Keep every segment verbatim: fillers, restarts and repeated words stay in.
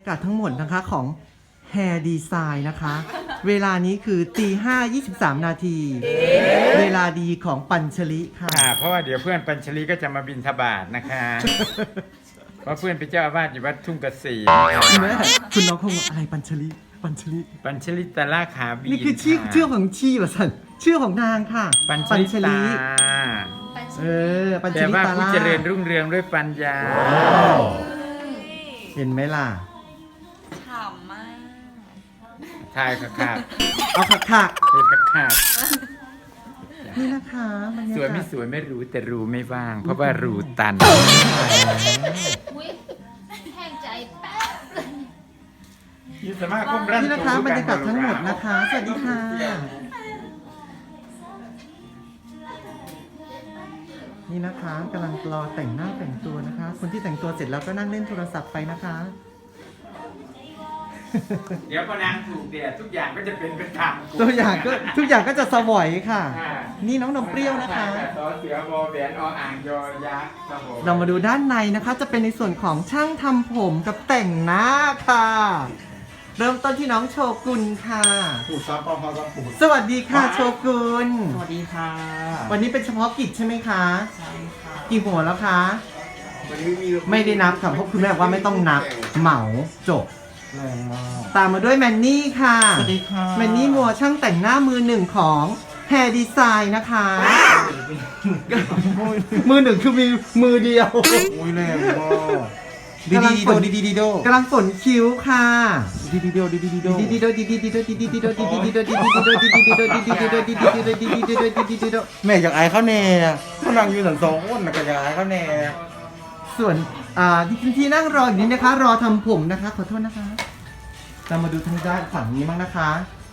ากาศทั้งหมดนะคะของ Hair Design นะคะ เวลานี้คือตีห้ายี่สิบสามนาที เวลาดีของปัญชลิค่ะค่ะเพราะว่าเดี๋ยวเพื่อนปัญชลีก็จะมาบินทบาทนะคะ เพราะเพื่อนเป็นเจ้าอาวาสอยู่วัดทุ่งเกษมแม่คุณน้องคงอะไรปัญชลิปัญชลิปัญชลิตาล่าขาบีนี่คือชื่อชื่อของชีป่ะสันชื่อของนางค่ะปัญชลิตาเออปัญชแต่ลิว่าตาผู้ล่าเจริญรุ่งเรืองด้วยปัญญาเห็นไหมล่ะฉ่ำมากทายค่ะค่ะเอาขักขักเห็นค่ะค่ะนี่นะคะบรรยากาศสวยไม่สวยไม่รู้แต่รู้ไม่ว่าง เพราะว่ารูตันอุ้ยแห้งใจแป๊บเลยยี่สามารถคุ้มรันนี่นะคะบรรยากาศทั้งหมดนะคะ สวัสดีค่ะ นี่นะคะกำลังรอแต่งหน้าแต่งตัวนะคะ คนที่แต่งตัวเสร็จแล้วก็นั่งเล่นโทรศัพท์ไปนะคะเดี๋ยวพอนางถูกเดียทุกอย่างก็จะเป็นไปตามกฎตัวอย่างก็ทุกอย่างก็จะสวอยค่ะอ่านี่น้องนมเปรี้ยวนะคะต่อเสือบอแหวนออ่างยอยักษ์ครับผมเรามาดูด้านในนะคะ จะเป็นในส่วนของช่างทำผมกับแต่งหน้าค่ะ เริ่มต้นที่น้องโชกุนค่ะปูดซับปอมพอซับปูดสวัสดีค่ะโชกุนสวัสดีค่ะวันนี้เป็นเฉพาะกิจใช่ไหมคะใช่ค่ะกี่หัวแล้วคะวันนี้มีไม่ได้นับค่ะเพราะคุณแม่บอกว่าไม่ต้องนับเหมาจบแรงมากตามมาด้วยแมนนี่ค่ะสวัสดีค่ะแมนนี่มัวช่างแต่งหน้ามือหนึ่งของ Hair Design นะคะ มือหนึ่งคือมีมือเดียวอุ้ยแรงมากดีดีโดดีดีดีโดกำลังฝนคิ้วค่ะดีดีโดดีดีดีโดดีดีโดดีดีดีโดดีดีดีโดดีดีดีโดดีดีดีโดดีดีดีโดดีดีดีโดดีดีดีโดดีดีดีโดดีดีดีโดแม่อยากอายเขาแน่เขานั่งอยู่สันสองคนนะก็อยากอายเขาแน่ส่วนอ่าที่ที่นั่งรออยู่นี้นะคะ รอทำผมนะคะ ขอโทษนะคะเรามาดูทางด้านฝั่งนี้บ้างนะคะ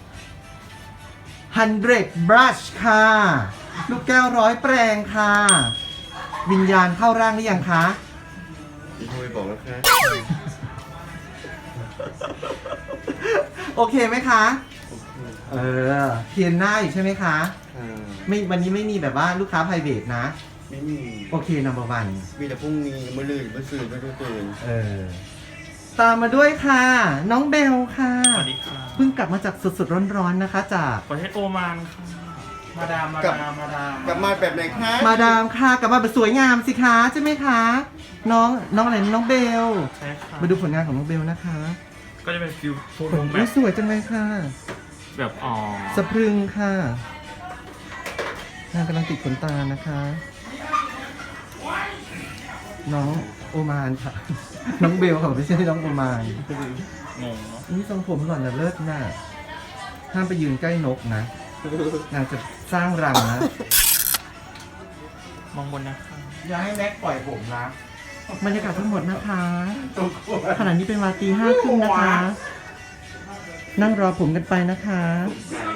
hundred brush ค่ะ ลูกแก้วร้อยแปรงค่ะ วิญญาณเข้าร่างหรือยังคะอีกคุยบอกแล้วค่ะโอเคไหมคะ เออเพียนหน้าอยู่ใช่ไหมคะ ไม่วันนี้ไม่มีแบบว่าลูกค้า private นะไม่มีโอเค number one มีแต่พรุ่งนี้มื่อลืนมื่อสื่อมื่อตื่นเออ ตามมาด้วยค่ะ น้องเบลค่ะสวัสดีค่ะเพิ่งกลับมาจากสดๆร้อนๆนะคะ จากประเทศโอมานค่ะ มาดาม มาดาม มาดามกลับมาแบบไหนคะมาดามค่ะ กลับมาแบบสวยงามสิคะใช่ไหมคะ น้องน้องอะไรน้องเบลใช่ค่ะมาดูผลงานของน้องเบลนะคะก็จะเป็นฟิลโทนผลแบอุ๊ยบสวยจังเลยค่ะแบบอ๋อสะพรึงค่ะนางกำลังติดขนตานะคะ น้องโอมานค่ะ น้องเบลค่ะไม่ใช่น้องโอมานงงเนาะนี่ทรงผมหล่อนน่ะเลิศน่ะห้ามไปยืนใกล้นกนะ นางจะสร้างรังนะมองบนนะคะอย่าให้แม็กปล่อยผมนะบรรยากาศทั้งหมดนะคะตัวกลัวขณะนี้เป็นเวลาตีห้าครึ่งนะคะ นั่งรอผมกันไปนะคะใจ